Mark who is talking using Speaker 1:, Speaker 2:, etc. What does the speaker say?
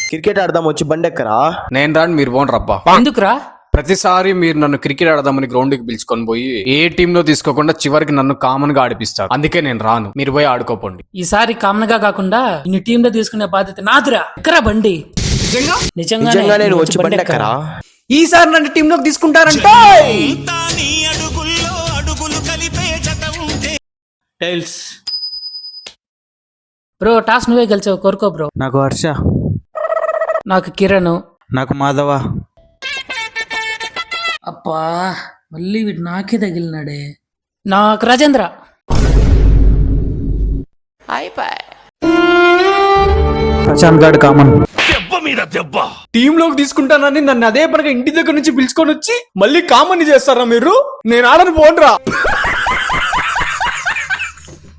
Speaker 1: Cricket ఆడదాం వచ్చి బండెక్కరా.
Speaker 2: నేను రాను, మీరు పోండి రబ్బా.
Speaker 3: ఎందుకురా?
Speaker 2: ప్రతిసారి మీరు నన్ను క్రికెట్ ఆడదామని గ్రౌండ్ కి పిలుచుకొని పోయి ఏ టీమ్ లో తీసుకోకుండా చివరికి నన్ను కామన్ గా ఆడిపిస్తారు. అందుకే నేను రాను, మీరు పోయి ఆడుకోపోండి.
Speaker 3: ఈసారి కామన్ గా కాకుండా ఇన్ని టీమ్ లో తీసుకునే బాధ్యత నాదురా. ఎక్కరా బండి?
Speaker 1: నిజంగా నేను వచ్చి బండెక్కరా.
Speaker 2: ఈసారి నన్ను టీమ్ లోకి తీసుకుంటారంటే
Speaker 3: టైల్స్ బ్రో, టాస్ నువ్వే గెలిచావు, కోరుకో బ్రో.
Speaker 4: నాకు హర్ష,
Speaker 3: నాకు కిరణ్.
Speaker 4: నాకు మాధవ.
Speaker 3: అబ్బా మళ్ళీ వీడు నాకే తగిలినాడే. నాకు రాజేంద్ర.
Speaker 4: ప్రశాంత్ గాడు కామన్.
Speaker 2: టీమ్ లోకి తీసుకుంటానని నన్ను అదే పనిగా ఇంటి దగ్గర నుంచి పిలుచుకొని వచ్చి మళ్ళీ కామన్ చేస్తారా మీరు? నేను ఆడను, పోండ్రా.